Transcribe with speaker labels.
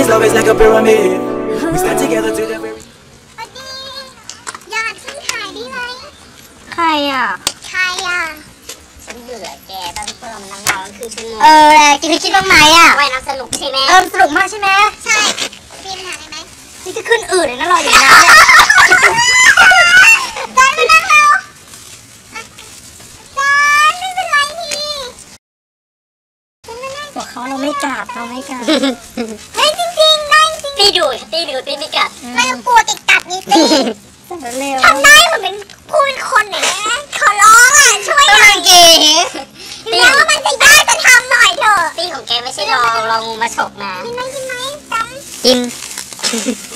Speaker 1: this love is like a pyramid. We stand together to the very.
Speaker 2: อยากขึ้นถ่ายได้ไหม
Speaker 3: ใครอ่ะ
Speaker 2: ฉันเบื่อแกตอนที่พวกเรามันนั่งรอกันคือชั่วโมง
Speaker 3: กินคิดบ้างไหมอ่ะ
Speaker 2: ว่ายน้ำสนุกใช่ไหม
Speaker 3: สนุกมากใช่ไหม
Speaker 2: ใช่มีปัญหาอะไรไหม
Speaker 3: นี่จะขึ้นอืดเลยนะรออยู่นะ
Speaker 2: จานไม่นั่งเราจานไม่เป็นไรนี่
Speaker 3: บอกเขาเราไม่กัด
Speaker 2: เฮ้ยจริงๆได้จริง
Speaker 3: ตีดูตีไม่กัด
Speaker 2: ไม่ต้องกลัวติดกัดนี่สิทำได้เหมือนเป็นผู้เป็นคนอย่างนี้ขอร้องอ่ะช่วยหน่อยถึงแม้ว่ามันจะยากจะทำหน่อยเถอะ
Speaker 3: ตีของแกไม่ใช่ลองงูมาฉกนะ
Speaker 2: กินไหมจำ
Speaker 3: กิน